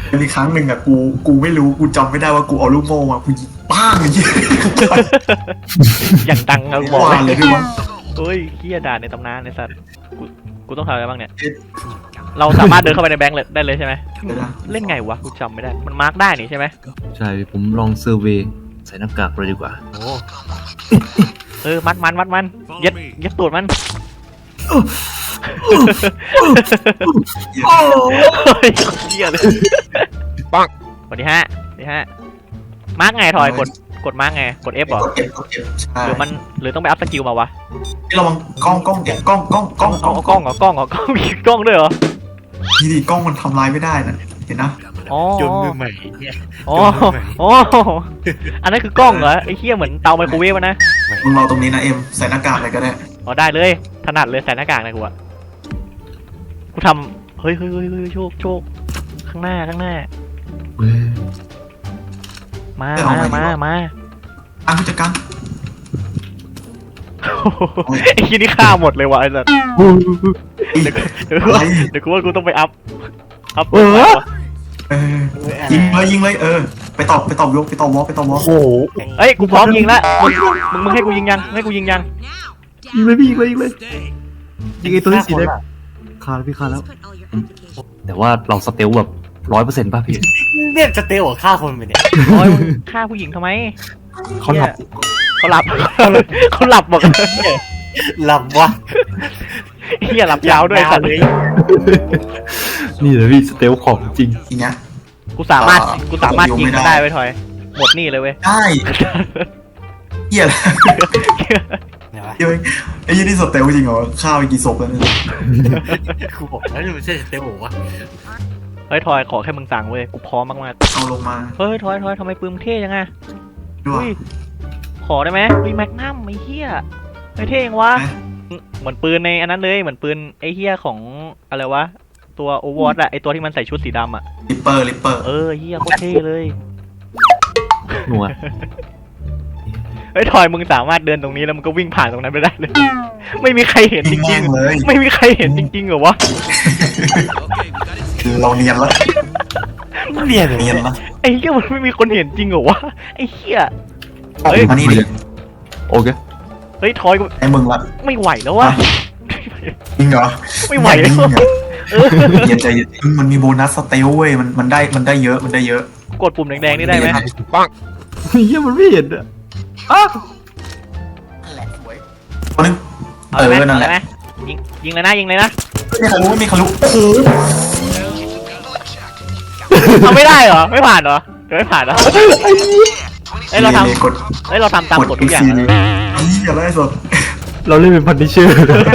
มีครั้งหนึ่งอะกูไม่รู้กูจำไม่ได้ว่ากูเอาลูกโม่มากูยิงป้างอย่างเงี้ยอย่างดังอะบอกวานเลยพี่วะเฮ้ยเฮียด่าในตำนานไอ้สัตว์กูต้องทำอะไรบ้างเนี่ยเราสามารถเดินเข้าไปในแบงค์ได้เลยใช่ไหมเล่นไงวะกูจำไม่ได้มันมาร์กได้นี่ใช่ไหมใช่ผมลองเซอร์เวย์ใส่หน้ากากเลยดีกว่าโอ้มัดมันยัดตูดมันเฮ้ยเฮียเลยปังวันที่ห้ามาร์กไงทอยกดมาร์กไงกด F เหรอกด F ใช่หรือต้องไปอัพสกิลมาวะที่เรามองกล้องเดี๋ยวกล้องกล้องมีกล้องด้วยเหรอนี่ดิกล้องมันทำลายไม่ได้นะเห็นนะอ๋อจนมือใหม่เนี่ยอ๋ออันนั้นคือกล้องเหรอไอ้เหี้ยเหมือนเตาไมโครเวฟนะมึงรอตรงนี้นะเอ็มใส่หน้ากากอะไรก็ได้อ๋อได้เลยถนัดเลยใส่หน้ากากนะกูอะกูทำเฮ้ยโชคข้างหน้าเว้ยมาอันผู้จัดการไอ้ที่นี่ฆ่าหมดเลยวะไอ้สัสเดี๋ยวกูว่ากูต้องไปอัพยิงเลยไปตอบยกไปตอบวอลโอ้โหเอ้ยกูพร้อมยิงแล้วมึงให้กูยิงยังให้กูยิงยังยิงเลยพี่ยิงเลยยิงไอ้ตัวที่สีแดงคาแล้วพี่คาแล้ว แต่ว่าเราสเตลแบบ100%ป่ะพี่เนี่ยจะเตะหัวฆ่าคนไปเนี่ยโอ้ยฆ่าผู้หญิงทำไมเขาหลับเขาหลับบอกหลับวะเฮียหลับยาวด้วยสัตว์นี่เลยพี่สเตลของจริงอย่างเงี้ยกูสามารถยิงมันได้ไว้ทอยหมดนี่เลยเว้ยได้เหี้ยอะไรไหนวะเดี๋ยวไอ้ยี่นี่สเตลจริงเหรอฆ่าไปกี่ศพแล้วเนี่ยกูบอกแล้วมันไม่ใช่เตะหัววะเฮ้ยทอยขอแค่มึงสั่งเว้ยกูพร้อมมากเอาลงมาๆเฮ้ยทอยทำไมปืนเท่ยังไงด้วยขอได้ไหมแมกนัมไอ้เหี้ยไอ้เท่ยังวะเหมือนปืนในอันนั้นเลยเหมือนปืนไอ้เหี้ยของอะไรวะตัวโอเวอร์วอตอะไอ้ตัวที่มันใส่ชุดสีดำอะลิปเปอร์เหี้ยโคตรเท่เลยหนัวเฮ้ยทอยมึงสามารถเดินตรงนี้แล้วมึงก็วิ่งผ่านตรงนั้นไปได้เลย ไม่มีใครเห็นจยิงริแม่งงเลยๆไม่มีใครเห็นจริงๆเหรอวะเราเนียนแล้วเรียนเลยเนียนแล้วไอ้เหี้ยมันไม่มีคนเห็นจริงเหรอวะไอ้เหี้ยมานี่ดิโอเคเฮ้ยทอยกูไอ้มึงละไม่ไหวแล้ววะจริงเหรอไม่ไหวแล้วเย็นใจเย็นมันมีโบนัสสเตลเว้ยมันได้เยอะกดปุ่มแดงๆนี่ได้ไหมเฮียมันไม่เห็นอะอ้าคนนึงเอาเลยไหมนั่นแหละยิงเลยนะไม่มีใครรู้โอ้โหเอาไม่ได้เหรอไม่ผ่านเหรอไม่ผ่านเหรอเอ้ยเราทกดำเราทำตามกฎทุกอย่างเลยอย่าไล่สดเราเล่นเป็นพันนิเชอร์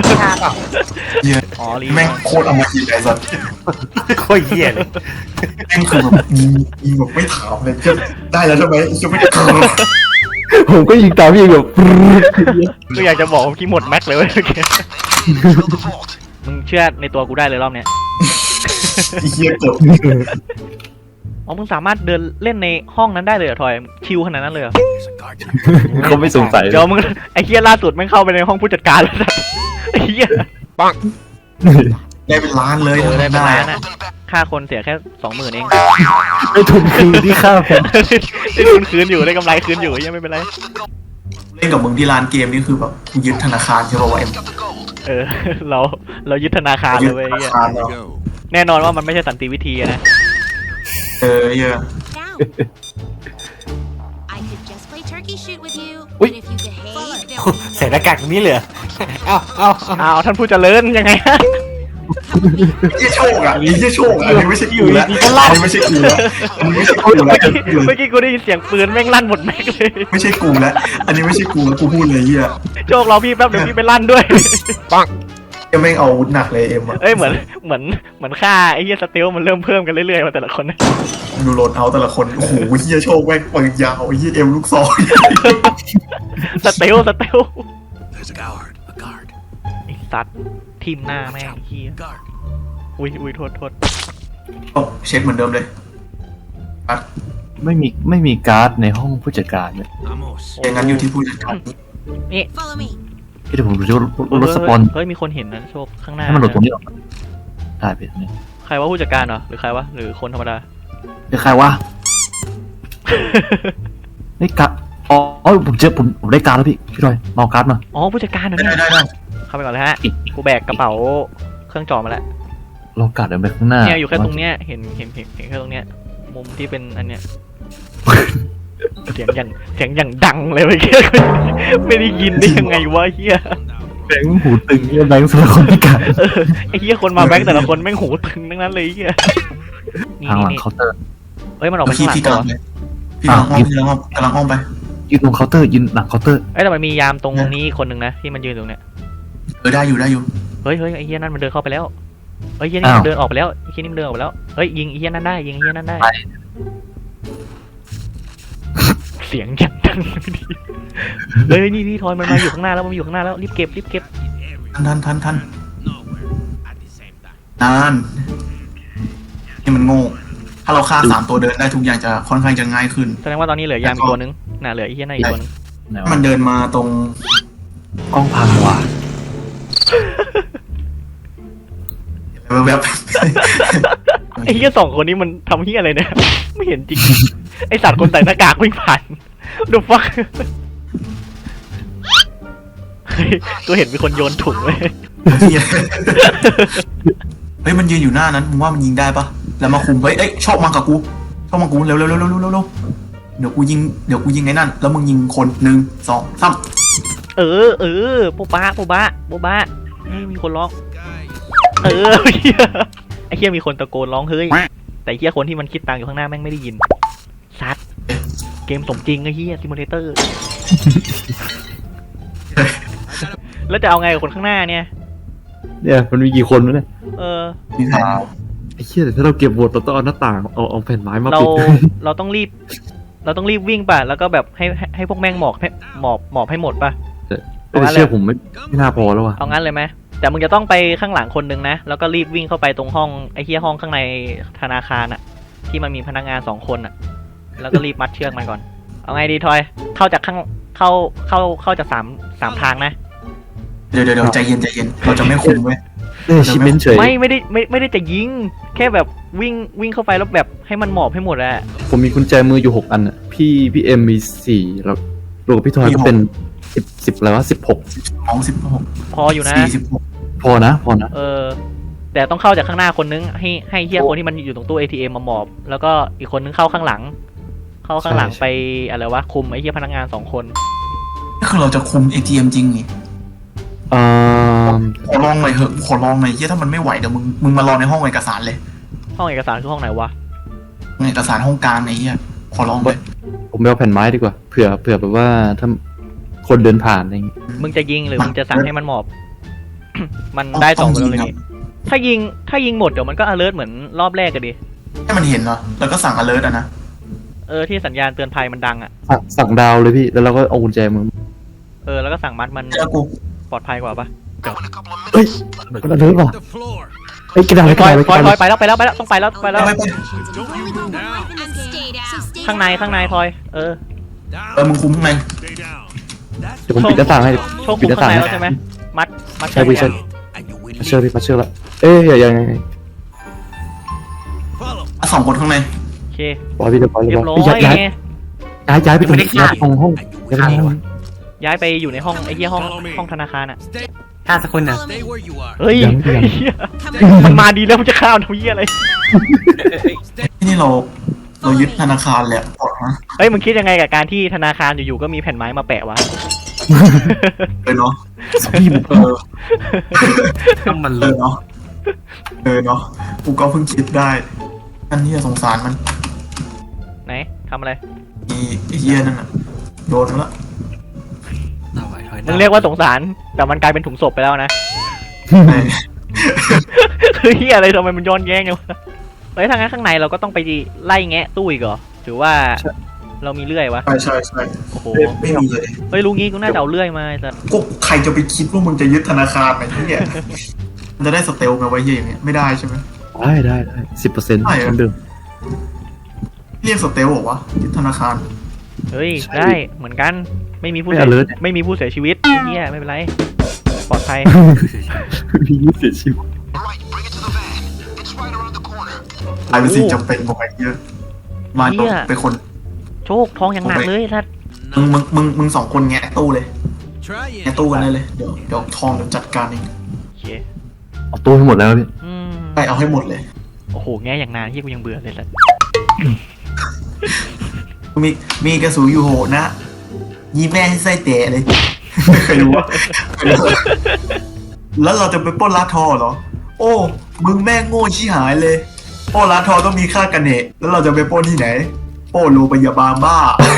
อ๋อรีแม่งโคตรอมตะเลยสัตว์โคตรเหี้ยเลยแม่งคือแบบยิงแบบไม่ถามเลยจะได้แล้วใช่ไหมจะไม่ได้ผมก็ยิงตามพี่แบบก็อยากจะบอกว่ากี้หมดแม็กเลยเว้ยมึงเชื่อในตัวกูได้เลยรอบเนี้ยเฮียกดอ๋อมึงสามารถเดินเล่นในห้องนั้นได้เลยเหรอทอยชิลขนาดนั้นเลยเหรอเขาไม่สงสัยเดี๋ยวมึงไอ้เหี้ยล่าสุดมึงเข้าไปในห้องผู้จัดการแล้วไอ้เหี้ยได้เป็นล้านเลยได้เป็นล้านอะค่าคนเสียแค่20,000เองไม่ทุนคืนที่ค่าผมได้ทุนคืนอยู่ได้กำไรคืนอยู่ยังไม่เป็นไรเล่นกับมึงที่ร้านเกมนี่คือแบบยึดธนาคารใช่ป่าวเอ็มเรายึดธนาคารยึเลดยเว้ยธนาคารเนาะแน่นอนว่ามันไม่ใช่สันติวิธีอะนะเยอะ I could just play turkey shoot with you, Ui. but if you behave, there ใส่หน้ากากตรงนี้เลยเอ้าอ้าวท่านผู้เจริญยังไงฮะยี่โชคอ่ะยี่โชคอ่ะอันนี้ไม่ใช่กูแล้วอันนี้ไม่ใช่กูแล้วอันนี้ไม่ใช่กูแล้วเมื่อกี้กูได้ยินเสียงปืนแม่งลั่นหมดแม็กเลยไม่ใช่กูแล้วอันนี้ไม่ใช่กูแล้วกูพูดเลยเฮียโชคเราพี่แป๊บเดี๋ยวพี่ไปลั่นด้วยยังไม่เอาอาวุธหนักเลยเอ็มอ่ะเอ้ยเหมือนค่าไอ้เหี้ยสเตลมันเริ่มเพิ่มกันเรื่อยๆมาแต่ละคนดูโรนเอาแต่ละคนโอ้โหเฮียโชคแม่งปืนยาวเฮียเอ็มลูกซองสเตล There's a guard. A guard. ไอ้สัตว์ทีมหน้าแม่งไอ้เหี้ย Guard. อุ้ยโทษเช็คเหมือนเดิมเลยไม่มีการ์ดในห้องผู้จัดการเลย Vamos. อย่างนั้นอยู่ที่ผู้จัดการ follow me. เดี๋ยวผมดูว่ารถสปอนเฮ้ยมีคนเห็นนะโชคข้างหน้าให้มันหลุดตรงนี้ออกได้ไปตรงนี้ใครว่าผู้จัดการเหรอหรือใครวะหรือคนธรรมดาเป็นใครวะไอ้กะอ๋อผมได้การแล้วพี่ทอยมาเอาการ์ดมาอ๋อผู้จัดการเหรอได้เนี่ยได้ได้เข้าไปก่อนเลยฮะกูแบกกระเป๋าเครื่องจอมาแล้วเราการ์ดเดินไปข้างหน้าเนี่ยอยู่แค่ตรงเนี้ยเห็นแค่ตรงเนี้ยมุมที่เป็นอันเนี้ย เสียงอย่างดังเลยเมื่อกี้ ไม่ได้ยินได้ยังไงวะเฮียแบงค์หูตึงเนี่ยแบงค์สำหรับคนพิการไอ้เฮียคนมาแบงค์แต่ละคนแม่งหูตึงทั้งนั้นเลยเฮียนี่ทางหลังนี่เคาน์เตอร์เฮ้ยมันออกไปพี่ข้างหลังพี่ตักำวลังเลยพี่กำลังอ้อมพี่กำลังอ้อมกำลังอ้อมไปยืนตรงเคาน์เตอร์ยืนหลังเคาน์เตอร์เอ้ยแต่มันมียามตรงนี้คนหนึ่งนะที่มันยืนตรงเนี้ยได้อยู่ได้อยู่เฮ้ยไอ้เฮียนั่นมันเดินเข้าไปแล้วเฮ้ยเฮียนี่มันเดินออกไปแล้วไอ้เฮียนี่มันเดินออกไปแล้วเฮ้ยยิงไอ้เฮียนั่นได้ยิงไอ้เฮียนั่นได้เสียงอย่างดังเฮ้ยนี่ทอยมันมาอยู่ข้างหน้าแล้วมันอยู่ข้างหน้าแล้วรีบเก็บทันนานนี่มันโง่ถ้าเราฆ่า3ตัวเดินได้ทุกอย่างจะค่อนข้างจะง่ายขึ้นแสดงว่าตอนนี้เหลือยามอีกตัวนึงน่ะเหลือไอ้เฮียนั่นอีกตัวนึงไหนมันวะเดินมาตรงกล้องพังว่ะแวบไอ้เฮีย2 คนนี้มันทำเฮียอะไรเนี่ยไม่เห็นจริงไอสัตว์คนใส่หน้ากากวิ่งผ่านดูฟักกูเห็นมีคนโยนถุงเลยเฮ้ยมันยืนอยู่หน้านั้นมึงว่ามันยิงได้ปะแล้วมาคุมเฮ้ยเอ้ยชอบมากับกูเร็วเดี๋ยวกูยิงไอ้นั่นแล้วมึงยิงคน1 2 3 เออปูบ้านี่มีคนร้องไอ้เฮียมีคนตะโกนร้องเฮ้ยแต่เฮียคนที่มันคิดตังค์อยู่ข้างหน้าแม่งไม่ได้ยินซัดเกมสมจริงไอ้เฮียซิมูเลเตอร์ แล้วจะเอาไงกับคนข้างหน้าเนี่ยเนี่ยมันมีกี่คนวะเนี่ยมีแผนไอ้เหี้ยแต่ถ้าเราเก็บบทเราต้องเอาหน้าต่างเอาแผ่นไม้มาเราปิดเราต้องรีบวิ่งป่ะแล้วก็แบบให้พวกแม่งหมอบให้หมดป่ะแต่เชื่อผมไม่น่าพอแล้วว่ะเอางั้นเลยไหมแต่มึงจะต้องไปข้างหลังคนนึงนะแล้วก็รีบวิ่งเข้าไปตรงห้องไอ้เฮียห้องข้างในธนาคารอะที่มันมีพนักงาน2 คนอะแล้วก็รีบมัดเชือกมันก่อนเอาไงดีทอยเข้าจากข้างเข้าจาก3 ทางนะเดี๋ยวใจเย็นเราจะไม่คุมเว้ยชิมเมนเฉยไม่ได้จะยิงแค่แบบวิ่งเข้าไปแล้วแบบให้มันหมอบให้หมดอะผมมีกุญแจมืออยู่6 อันอ่ะพี่เอ็มมี4แล้วรวมกับพี่ทอยก็เป็น10อะไรวะ16 16 พออยู่นะ 46 พอนะแต่ต้องเข้าจากข้างหน้าคนนึงให้เฮียคนที่มันอยู่ตรงตู้ ATM มาหมอบ แล้วก็อีกคนนึงเข้าข้างหลังไปอะไรวะคุมไอ้เฮียพนักงาน2 คนนี่คือเราจะคุม ATM จริงนี่เอ่อขอลองหน่อยเถอะขอลองหน่อยเฮียถ้ามันไม่ไหวเดี๋ยวมึงมารอในห้องเอกสารเลยห้องเอกสารคือห้องไหนวะเอกสารห้องกลางไอ้เฮียขอลองเลยผมไปเอาแผ่นไม้ดีกว่าเผื่อแบบว่าถ้าคนเดินผ่านอะไรอย่างงี้มึงจะยิงหรือมึงจะสั่งให้มันหมอบ มันได้2 ตัวเลยนี่ถ้ายิงหมดเดี๋ยวมันก็ alert เหมือนรอบแรกกันดิให้มันเห็นเหรอแล้วก็สั่ง alert อะนะที่สัญญาณเตือนภัยมันดังอ่ะสั่งดาวเลยพี่แล้วเราก็เอากุญแจมือแล้วก็สั่งมัดมันแล้วกูปลอดภัยกว่าปะเฮ้ยมันเดินป่ะ The floor. เฮ้ยกระดาษพลอยกระดาษไปแล้วต้องไปแล้วไป We've only got one life in this game, so stay ข้างในพลอย Down. มึงคุมข้างใน Stay down. That's เดี๋ยวผมปิดหน้าต่างให้โชคคุมข้างในแล้วใช่ไหมมัดใช่พี่ใช่ and you will มาเชื่อ leave. พี่มาเชื่อละเอ้ยยังไง Follow. 2 คนข้างในโอเคปล่อยพี่เดี๋ยวปล่อยเรียบร้อยย้ายไปตรงย้ายตรงห้อง And you ย้าย will ไป leave. ย้ายไปอยู่ในห้องไอ้เหี้ยห้องธนาคารอ่ะ Stay. ฆ่าสักคนนะ Follow Stay me. where you are. เฮ้ยยังเหี้ย Come มัน on. มาดีแล้วมันจะข้าวทำเหี้ยอะไรที่นี่เรายึดธนาคารเลยปลดนะเฮ้ยมึงคิดยังไงกับการที่ธนาคารอยู่ๆก็มีแผ่นไม้มาแปะวะเลยเนาะพี่ถ้ามันเอเลิอก เนาะกูก็เพิ่งคิดได้อันนี้สงสารมันไหนทำอะไรไอ้เฮียนั่นน่ะโดนแล้วเอาไว้ถอยมึงเรียกว่าสงสารแต่มันกลายเป็นถุงศพไปแล้วนะ คือเหี้ยอะไรทำไมมันย้อนแย้งเนี่ยวะเฮ้ยทางนั้นข้างในเราก็ต้องไปไล่แงะตู้อีกเหรอถือว่าเรามีเลื่อยวะใช่โอ้โหไม่มีเลยเฮ้ยลุงงี้กูน่าจะเอาเลื่อยมาแต่ก็ใครจะไปคิดว่ามึงจะยึดธนาคารไอ้เหี้ยมันจะได้สเตลไงไว้เหี้ยอย่างเงี้ยไม่ได้ใช่ไหมได้10%เหมือนเดิมเรียกสเตลเหรอวะยึดธนาคารเฮ้ยใช่ได้เหมือนกันไม่มีผู้ไม่เสีย alert ไม่มีผู้เสียชีวิตเฮียไม่เป็นไรปลอดภัยพี่เสียชีวิตกลายเป็นสิ่งจำเป็นของไอ้เหี้ยมาเหี้ยไปคนโชคทองอย่างหนักเลยสัตว์มึงสองคนแงะตู้เลย Try แงะตู้กันได้เลยเดี๋ยวทองเดี๋ยวจัดการเองโอเคเอาตู้ให้หมดแล้วพี่ไปเอาให้หมดเลยโอ้โหแง่อย่างนานที่กูยังเบื่อเลยสัตว์มีกระสุนอยู่โหนะยีแม่ให้ไส้เตะเลย ไม่เคยรู้ว่าแล้วเราจะไปปล้นร้านทองเหรอ โอ้มึงแม่งโง่ชี้หายเลยปล้นร้านทองต้องมีค่ากันเนตแล้วเราจะไปปล้นที่ไหนปล้นโรงพยาบาลบ้า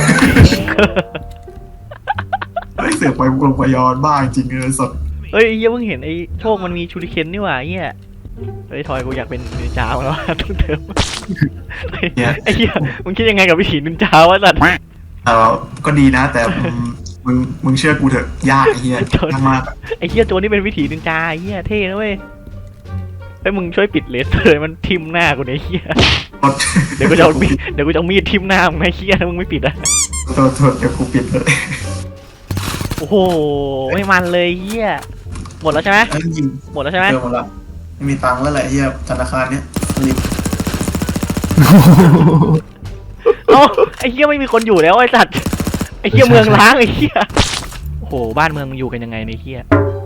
ไม่เสือกไปโรงพยาบาลบ้าจริงเลยสดเฮ้ยไอ้เหี้ยเพิ่งเห็นไอ้โชคมันมีชูริเคนนี่หว่าไอ้เหี้ยเฮ้ยทอยกูอยากเป็นนินจาแล้วอะต้องเติมไอ้เหี้ยมึงคิดยังไงกับวิถีนินจาวะสัตว์ก็ดีนะ แต่มึงเชื่อกูเถอะยากไอ้เหี้ยยากมากไอ้เหี้ยตัวนี้เป็นวิถีนินจาไอ้เหี้ยเท่นะเว้ยเฮ้ยมึงช่วยปิดเลสเลยมันทิ่มหน้ากูเนี่ยไอ้เหี้ยรถเดี๋ยวกูจะเอามีดทิ่มหน้ามึงไอ้เหี้ยถ้ามึงไม่ปิดอะโทษเดี๋ยวกูปิดเลยโอ้โหไม่มันเลยไอ้เหี้ยหมดแล้วใช่ไหมไอ้ยิงหมดแล้วใช่ไหมเจอหมดละไม่มีตังค์แล้วแหละเหี้ยธนาคารเนี้ยรีบเอ้าไอ้เหี้ยไม่มีคนอยู่แล้วไอ้สัตว์ไอ้เหี้ยเมืองล้างไอ้เหี้ยโอ้โหบ้านเมืองมึงอยู่กันยังไงในยไอ้เหี้ย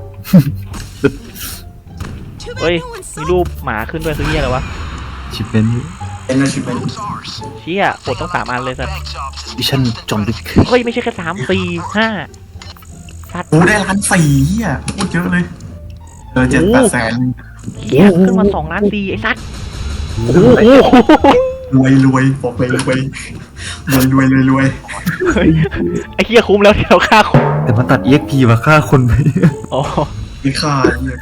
Too เฮ้ย bad no one มี saw รูปหมาขึ้นด้วยคือเหี้ยอะไรวะชิปเป็นเป็นแล้วชิบเป็นเชี่ยปลดต้อง3 อันเลยสัตว์วิชั่นจอมดิกเฮ้ยไม่ใช่แค่3 4 5สัตว์โอ้ได้1,400,000เหี้ยพูดเยอะเลย7-8 แสนเหี้ยขึ้นมา2 ล้าน4ไอ้สัตว์โอ้โหรวยบอกเลยรวยรวยเฮ้ยไอ้เหี้ยคุ้มแล้วที่เราฆ่าคนแต่มาตัด EXP มาฆ่าคนไปอ๋อไม่ค่าเนี่ย